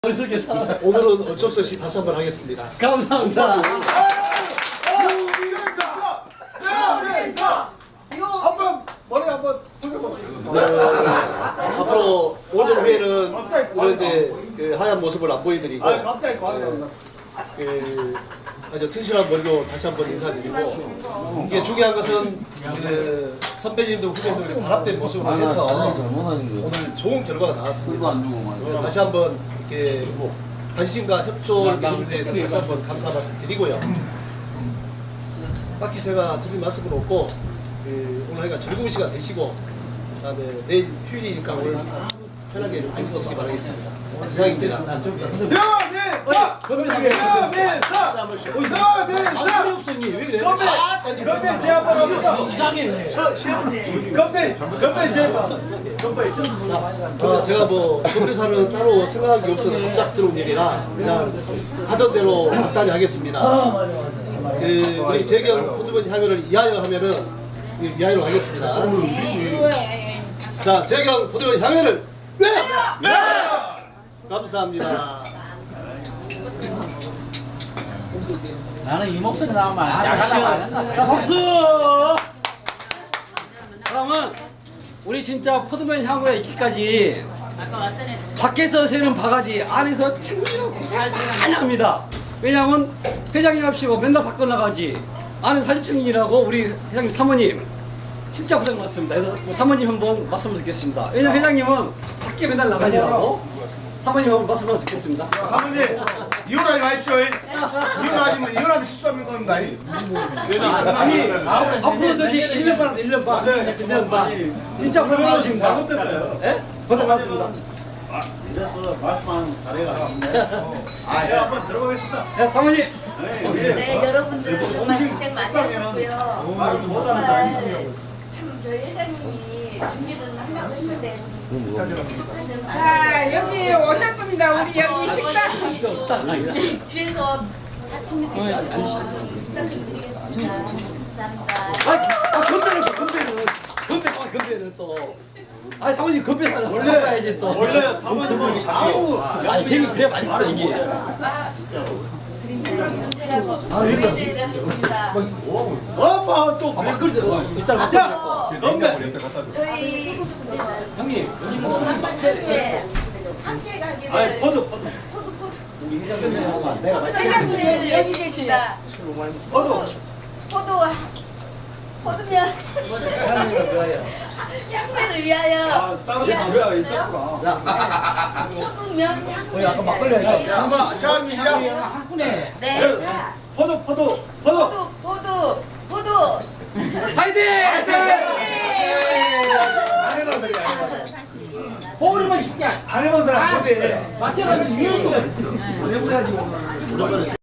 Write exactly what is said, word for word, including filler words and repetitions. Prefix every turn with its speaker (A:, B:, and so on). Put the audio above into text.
A: 오늘은 어쩔 수 없이 다시 한번 하겠습니다.
B: 감사합니다.
C: 한번 머리 한번 숙여보세요.
A: 네, 앞으로 오늘 회는 오늘 이제 그 하얀 모습을 안 보여드리고
C: 아 갑자기 과학이
A: 그 아주 튼실한 머리로 다시 한번 인사드리고, 이게 중요한 것은 그 선배님들 후배들과 단합된 모습으로 해서 오늘 좋은 결과가 나왔습니다. 다시 한번 이렇게 관심과 협조를 기울인 데에서 다시 한번 감사 말씀 드리고요. 딱히 제가 드릴 말씀은 없고, 그 오늘 하여간 즐거운 시간 되시고, 그다음에 내일 휴일이니까 오늘 편하게 하시기 바라겠습니다. 이상입니다.
C: 여민사! 여민사! 여민사!
B: 없었니? 왜 그래?
C: 건배! 건배 제압을 합니다.
B: 이상해.
C: 건배! 건배 제압! 건배!
A: 아, 제가 뭐 건배사는 따로 생각한 게 없어서 갑작스러운 일이라 그냥 하던 대로 간단히 하겠습니다. 그 우리 재경 포드번 향연을 이하여 하면은 이하여로 하겠습니다. 자, 재경 포드번 향연을 네! 네! 감사합니다.
B: 나는 이 목소리 나오면 야간하고 안 한다. 박수! 그러면 우리 진짜 포도면 향후에 있기까지 밖에서 새는 바가지 안에서 챙기고 고생 많이 합니다. 왜냐하면 회장님 합시고 맨날 밖으로 나가지 안에 사진 챙기라고 우리 회장님 사모님 진짜 고생 많습니다. 그래서 사모님 한번 말씀을 듣겠습니다. 왜냐면 회장님은 밖에 맨날 나가지라고 사모님 한번 말씀을 듣겠습니다.
D: 사모님 이혼하지 마십시오. 이혼하지면 이혼하면 실수하는 겁니다.
A: 아니,
B: 앞으로 저기 일 년 반, 일 년 반, 일 년 반. 진짜 고생 많으십니다. 예? 고생 많습니다.
D: 이래서 말씀하는 자리가
C: 아, 예, 한번 들어보겠습니다.
B: 예, 사모님.
E: 네, 여러분들 정말 고생 많이 하셨고요. 정말 참 저희 회장님이 준비는 한다고 했는데
F: 자, 여기 오셨습니다. 우리 여기 식당.
E: 뒤에서 아침에 되셔서 식사 좀 드리겠습니다. 감사합니다.
B: 아, 아 건배는 또, 건배는. 건배, 아, 건배는 또. 아, 사모님 건배 사는 원래 봐야지 또.
C: 원래 사모님은 아우
B: 아니, 괜히 그래 맛있어, 이게.
E: 문제라고 문제를 하겠습니다.
C: 엄마 또
B: 아, 막걸리, 어, 빗살 막걸리 먹고.
C: 건배!
E: 저희
B: 형님, 여기는
E: 함께 함께 가기를
C: 아니 포도 포도
E: 포도 포도
F: 회장님 여기 계시다.
C: 포도
E: 포도 포도면 향수를 위하여
C: 아 따로 장비가 있었구나.
E: 포도면 향수를
D: 아까 막걸리 하니까 항상 시작 시작.
B: 한 분에.
E: 네.
C: 포도 포도 포도
E: 포도 포도 포도
B: 파이팅! 호르몬 쉽게
C: 안 해본 사람 포도에
B: 맞춰가지고 이런 거가 있어.